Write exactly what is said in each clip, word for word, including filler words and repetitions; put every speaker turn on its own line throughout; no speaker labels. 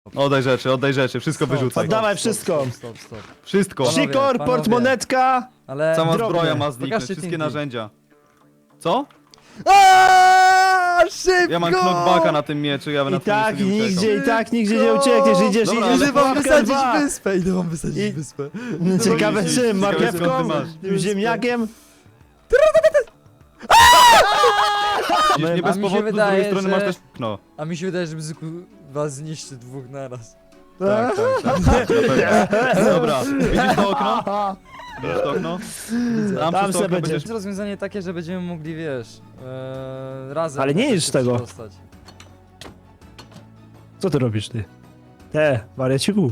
Oddaj rzeczy, oddaj rzeczy, wszystko
Stop,
wyrzucaj.
Oddawaj wszystko.
Stop, stop, stop.
Wszystko.
Panowie,
Sikor,
panowie.
portmonetka.
Ale...
Cała
drobne.
zbroja ma zniknąć,
Pokażcie
wszystkie
Tinky.
narzędzia. Co?
Aaaa, szybko!
Ja mam knockbacka na tym mieczu, ja bym na
I
tym
tak
miejscu nie uciekał.
nigdzie, i tak nigdzie nie uciekniesz, idziesz,
Dobra,
idziesz.
ale
Idę wam
pułapkę
wysadzić
dwa.
wyspę, idę wam wysadzić
I-
wyspę.
Ciekawe
Ciekawe,
czym,
skąd ty
marchewką,
masz.
ziemniakiem.
Widzisz, nie
A
bez
mi się
powodu z
wydaje,
drugiej strony
że-
masz też okno.
A mi się wydaje, że Bzyku was zniszczy dwóch naraz.
Tak, tak, tak. Dobra, widzisz to okno? Widzisz to okno? Tam,
Tam
przez to
se
okno
będzie.
będziesz...
To rozwiązanie takie, że będziemy mogli, wiesz, ee, razem...
Ale nie
jakoś
jedz
się
tego.
przedostać.
Co ty robisz ty? Te, wariaciku.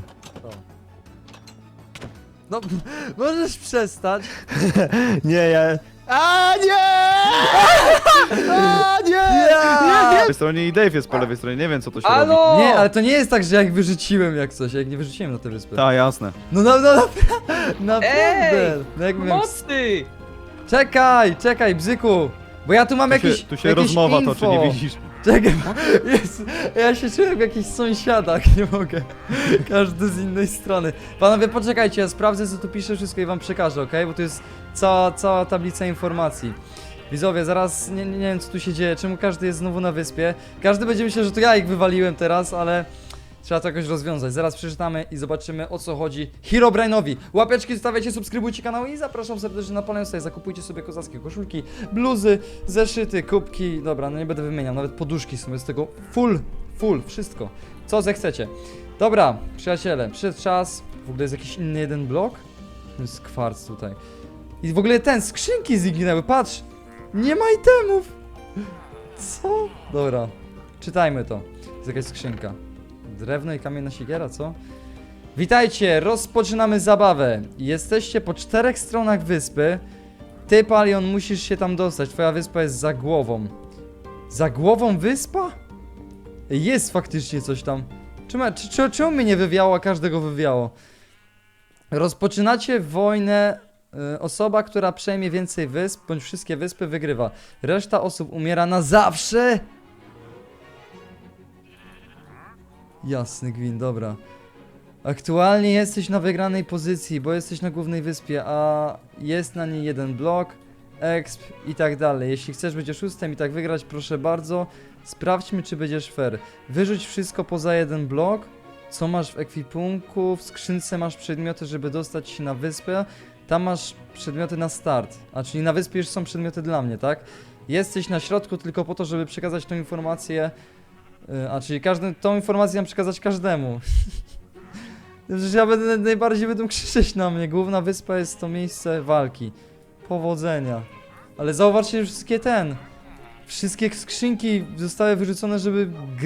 No, możesz przestać.
Nie, ja... A nie! A nie!
Ja!
Po lewej stronie i Dave jest po lewej stronie, nie wiem co to się robi.
Halo!
Nie, ale to nie jest tak, że jak wyrzuciłem jak coś, jak nie wyrzuciłem na tę wyspę.
Tak, jasne.
No, no, no, napra- naprawdę.
Ej!
No jakby miał...
Mocy!
Czekaj, czekaj, Bzyku. Bo ja tu mam
Tu
jakiś,
się, tu się
jakieś
rozmowa
info.
toczy, nie widzisz?
Czekaj, jest, ja się czuję w jakichś sąsiadach, nie mogę. Każdy z innej strony. Panowie, poczekajcie, ja sprawdzę co tu pisze wszystko i wam przekażę, ok? Bo to jest cała, cała tablica informacji. Widzowie, zaraz nie, nie wiem co tu się dzieje, czemu każdy jest znowu na wyspie. Każdy będzie myślał, że to ja ich wywaliłem teraz, ale trzeba to jakoś rozwiązać. Zaraz przeczytamy i zobaczymy o co chodzi Herobrine'owi. Łapeczki zostawiajcie, subskrybujcie kanał i zapraszam serdecznie na Palion Style. Zakupujcie sobie kozackie koszulki, bluzy, zeszyty, kubki. Dobra, no nie będę wymieniał, nawet poduszki są z tego full, full, wszystko. Co zechcecie. Dobra, przyjaciele, przyszedł czas. W ogóle jest jakiś inny jeden blok. To jest kwarc tutaj. I w ogóle ten, skrzynki zginęły, patrz! Nie ma itemów! Co? Dobra, czytajmy to. Jest jakaś skrzynka. Drewno i kamienna siekiera, co? Witajcie, rozpoczynamy zabawę. Jesteście po czterech stronach wyspy. Ty, Palion, musisz się tam dostać. Twoja wyspa jest za głową. Za głową wyspa? Jest faktycznie coś tam. Czemu, czy, czy, czemu mnie nie wywiało, a każdego wywiało? Rozpoczynacie wojnę. y, Osoba, która przejmie więcej wysp, bądź wszystkie wyspy, wygrywa. Reszta osób umiera na zawsze. Jasny gwint, dobra. Aktualnie jesteś na wygranej pozycji, bo jesteś na głównej wyspie, a jest na niej jeden blok, exp i tak dalej. Jeśli chcesz być oszustem i tak wygrać, proszę bardzo, sprawdźmy czy będziesz fair. Wyrzuć wszystko poza jeden blok. Co masz w ekwipunku? W skrzynce masz przedmioty, żeby dostać się na wyspę. Tam masz przedmioty na start. A czyli na wyspie już są przedmioty dla mnie, tak? Jesteś na środku tylko po to, żeby przekazać tą informację. Yy, A czyli każdy, tą informację mam przekazać każdemu. Przecież ja będę najbardziej będą krzyczeć na mnie. Główna wyspa jest to miejsce walki. Powodzenia. Ale zauważcie, że wszystkie ten. Wszystkie skrzynki zostały wyrzucone, żeby